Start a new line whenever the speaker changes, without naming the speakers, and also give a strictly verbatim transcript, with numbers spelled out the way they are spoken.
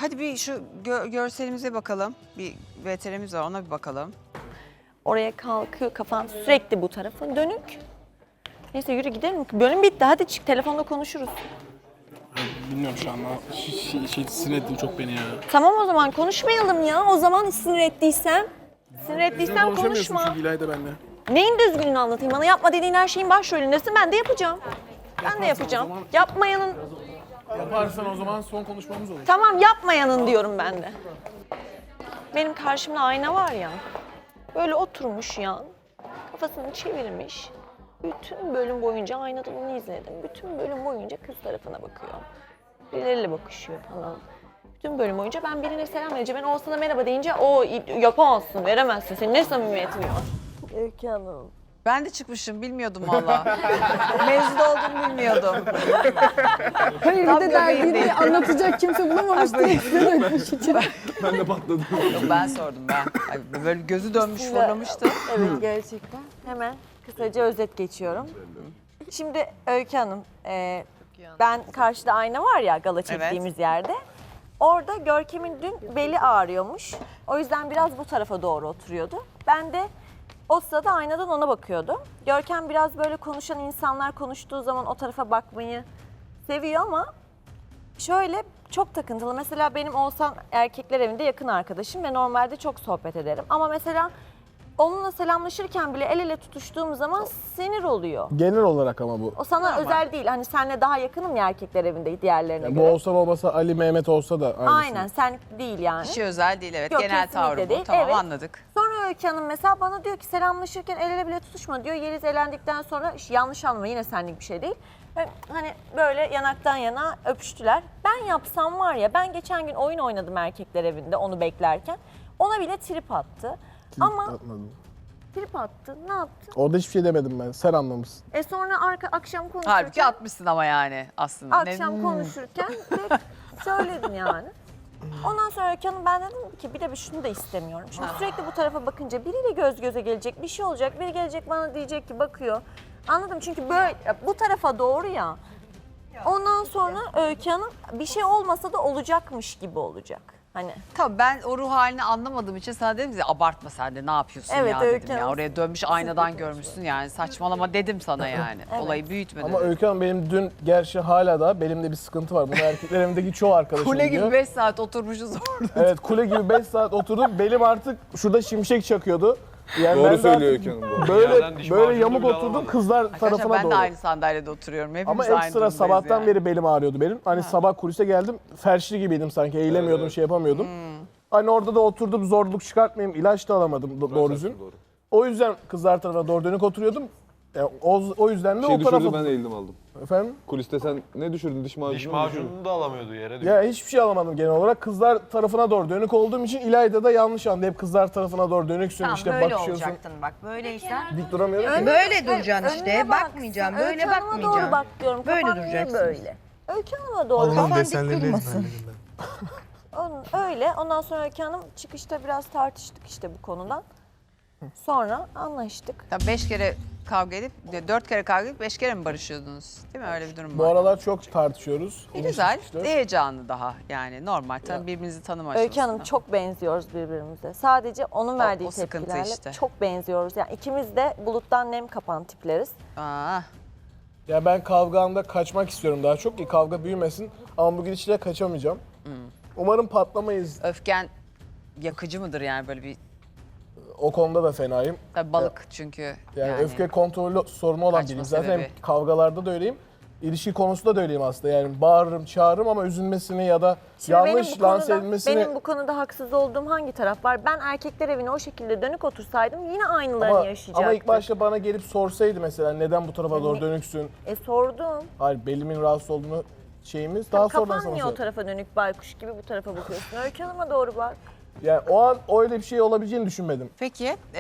hadi bir şu gö görselimize bakalım. Bir V T R'miz var, ona bir bakalım.
Oraya kalkıyor, kafan sürekli bu tarafa dönük. Neyse yürü gidelim. Bölüm bitti. Hadi çık, telefonda konuşuruz.
Bilmiyorum şu anda. Şey, şey, sinir ettin çok beni ya.
Tamam o zaman konuşmayalım ya. O zaman sinir ettiysem. Sinir ettiysem
Konuşamıyorsun
konuşma.
çünkü İlayda benimle.
Neyin düzgününü anlatayım? Bana yapma dediğin her şeyin başrolündesin. Ben de yapacağım. Ben de yapacağım.
zaman-
Yapmayanın...
Yaparsan o zaman son konuşmamız olur.
Tamam yapmayanın diyorum ben de. Benim karşımda ayna var ya. Böyle oturmuş ya. Kafasını çevirmiş. Bütün bölüm boyunca aynadan onu izledim. Bütün bölüm boyunca kız tarafına bakıyor. Birileriyle bakışıyor falan. Bütün bölüm boyunca ben birine selam vereceğim. Ben Oğuzhan'a merhaba deyince o yapamazsın, veremezsin. Senin ne samimiyetin var? Öykü Hanım.
Ben de çıkmışım, bilmiyordum valla. Mezun oldum, bilmiyordum.
Hayır
Tam
bir de derdini
göbeğindeyim.
anlatacak kimse bulamamış diye size dönmüş için.
Ben de patladım.
Yok, ben sordum ben. Ay, böyle gözü dönmüş, fırlamıştı.
Evet gerçekten. Hemen kısaca özet geçiyorum. Şimdi Öykü Hanım, e, ben karşıda ayna var ya gala çektiğimiz yerde. Orada Görkem'in dün beli ağrıyormuş. O yüzden biraz bu tarafa doğru oturuyordu. Ben de o sırada aynadan ona bakıyordum. Görkem biraz böyle konuşan insanlar konuştuğu zaman o tarafa bakmayı seviyor ama şöyle çok takıntılı. Mesela benim Oğuzhan erkekler evinde yakın arkadaşım ve normalde çok sohbet ederim. Ama mesela onunla selamlaşırken bile el ele tutuştuğum zaman sinir oluyor.
Genel olarak ama bu.
O sana özel değil. Hani seninle daha yakınım ya erkekler evinde diğerlerine
Yani bu
göre.
olsa olmasa Ali Mehmet olsa da aynısı.
Aynen sen değil yani.
Kişi özel değil, evet.
Yok,
Genel
kesinlikle
tavrı bu.
değil,
Tamam,
evet.
anladık.
Sonra Öykü Hanım mesela bana diyor ki selamlaşırken el ele bile tutuşma diyor. Yeliz elendikten sonra yanlış anlama yine senlik bir şey değil. Ve hani böyle yanaktan yana öpüştüler. Ben yapsam var ya ben geçen gün oyun oynadım erkekler evinde onu beklerken. Ona bile trip attı. Ama
Atmadım.
trip attı ne yaptı?
Orada hiçbir şey demedim ben. Sen anlamışsın.
E sonra arka akşam konuşurken.
Halbuki atmışsın ama yani aslında.
Akşam
Ne-
konuşurken de söyledim yani. Ondan sonra Öykü Hanım ben dedim ki bir de bir şunu da istemiyorum. Şimdi sürekli bu tarafa bakınca biriyle göz göze gelecek, bir şey olacak. Biri gelecek bana diyecek ki bakıyor. Anladım çünkü böyle bu tarafa doğru ya. Ondan sonra Öykü Hanım bir şey olmasa da olacakmış gibi olacak. Hani
Tabii ben o ruh halini anlamadığım için sana dedim ki abartma sen de ne yapıyorsun
Evet,
ya
Öykü
dedim ya.
Hanım.
Oraya dönmüş aynadan görmüşsün yani saçmalama dedim sana yani.
Evet.
Olayı büyütme
Ama
dedim.
Öykü Hanım benim dün gerçi hala da belimde bir sıkıntı var. Bunu erkekler evindeki çoğu arkadaşım
Kule
biliyor.
gibi beş saat oturmuşuz orada.
Evet kule gibi beş saat oturdum. Belim artık şurada şimşek çakıyordu. Yani ben
Doğru
de
söylüyor
artık
Öykü Hanım bu.
Böyle
Yerden diş
böyle
macunu
yamuk
bile
oturdum
alamadım.
kızlar
Arkadaşlar
tarafına
ben
doğru.
de aynı sandalyede oturuyorum. Hepimiz
Ama
aynı
ekstra
durumdayız
sabahtan
yani.
beri belim ağrıyordu benim. Hani sabah kulise geldim felçli gibiydim sanki eğilemiyordum
Evet.
şey yapamıyordum.
Hmm.
Hani orada da oturdum zorluk çıkartmayayım ilaç da alamadım do- doğru düzgün.
Doğru.
O yüzden kızlar tarafına doğru dönük oturuyordum. Yani o, o yüzden de
Şey
o tarafa...
düşürdü ben eğildim aldım.
Efendim?
Kuliste sen ne düşürdün? Diş macunu
Diş
mu düşürdün?
macununu da alamıyordu yere diyor.
Ya hiçbir şey alamadım genel olarak. Kızlar tarafına doğru dönük olduğum için İlayda da yanlış anladı. Hep kızlar tarafına doğru dönüksün
Tamam
işte
böyle
bakışıyorsun.
olacaktın bak böyleysen.
Dik duramıyorum ki.
Böyle duracaksın
önüne
işte.
baksın.
Bakmayacaksın.
Öykü
Böyle
Hanım'a doğru
bakmayacaksın.
bak diyorum.
Böyle
Kafan niye
duracaksın.
böyle? Öykü Hanım'a doğru.
Kafan dik
desenlerini
durmasın.
ezberledim ben.
Onun, öyle. Ondan sonra Öykü Hanım çıkışta biraz tartıştık işte bu konudan. Sonra anlaştık.
Ya beş kere kavga edip, dört kere kavga edip beş kere mi barışıyordunuz? Değil mi? Öyle bir durum
Bu
var.
aralar çok tartışıyoruz.
E,
İlişki
güzel,
işte.
heyecanlı daha yani normal. Tabii birbirinizi tanıma
Öykü Hanım
aşamasında.
çok benziyoruz birbirimize. Sadece onun verdiği
o sıkıntı
tepkilerle
işte.
çok benziyoruz. Yani ikimiz de buluttan nem kapan tipleriz.
Aa,
Ya ben kavgamda kaçmak istiyorum daha çok ki kavga büyümesin. Ama bu gidişle kaçamayacağım.
Hmm.
Umarım patlamayız.
öfken yakıcı mıdır yani böyle bir,
O konuda da fenayım.
tabii balık çünkü
Yani,
yani.
öfke kontrolü sorunu olan
Kaçma
biriyim. Zaten
sebebi.
hem kavgalarda da öyleyim. İlişki konusunda da öyleyim aslında. Yani bağırırım, çağırırım ama üzülmesini ya da
Şimdi
yanlış
benim bu
lanse
konuda,
edilmesini...
benim bu konuda haksız olduğum hangi taraf var? Ben erkekler evine o şekilde dönük otursaydım yine aynılarını
ama,
yaşayacaktım.
ama ilk başta bana gelip sorsaydı mesela neden bu tarafa doğru
Yani-
dönüksün?
E sordum.
Hayır belimin rahatsız olduğunu şeyimiz daha sonradan
Kafan
sana
niye o
sor.
tarafa dönük baykuş gibi bu tarafa bakıyorsun? Öykü Hanım'a doğru bak.
Yani o an öyle bir şey olabileceğini düşünmedim.
Peki